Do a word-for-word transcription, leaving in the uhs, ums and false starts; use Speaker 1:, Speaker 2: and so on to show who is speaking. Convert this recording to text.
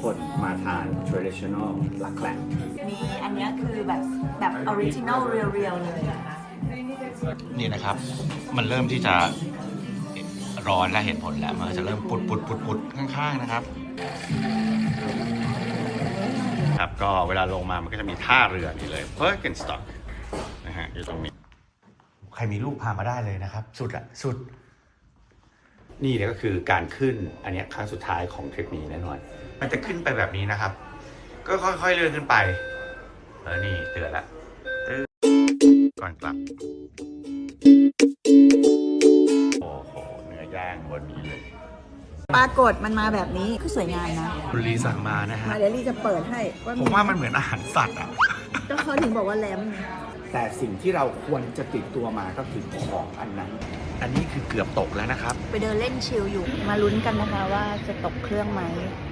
Speaker 1: คนมาทาน traditional หลักแหล่ง
Speaker 2: มีอันเนี้ยคือแบบแบบออริจินอลเรียวๆเลยนะคะ
Speaker 3: นี่นะครับ มันเริ่มที่จะร้อนและเห็นผลแล้ว มันจะเริ่มปุดปุดปุดปุดข้างๆนะครับ ครับ ก็เวลาลงมามันก็จะมีท่าเรือนี่เลย Birkenstock นะฮะอยู่ตรงนี้ ใครมีลูกพามาได้เลยนะครับ สุดอะสุด นี่เนี่ยก็คือการขึ้นอันเนี้ยครั้งสุดท้ายของทริปนี้แน่นอน มันจะขึ้นไปแบบนี้นะครับ ก็ค่อยๆเลื่อนขึ้นไปเออนี่เตือนละตื้อก่อนกลับ โอ้โหเนื้อย่างบนนี้เลย
Speaker 2: ปรากฏมันมาแบบนี้คือสวยงามนะ
Speaker 3: คุณลีสั่งมานะฮะ
Speaker 2: มาเดี๋ยวลี่จะเปิดให้ว่า
Speaker 3: ผมว่ามันเหมือนอาหารสัตว์อ่ะ
Speaker 2: ก็เขาถึงบอกว่าแลม
Speaker 1: แต่สิ่งที่เราควรจะติดตัวมาก็คือของอันนั้น
Speaker 3: อันนี้คือเกือบตกแล้วนะครับ
Speaker 2: ไปเดินเล่นชิลอยู่มาลุ้นกันนะคะว่าจะตกเครื่องไหม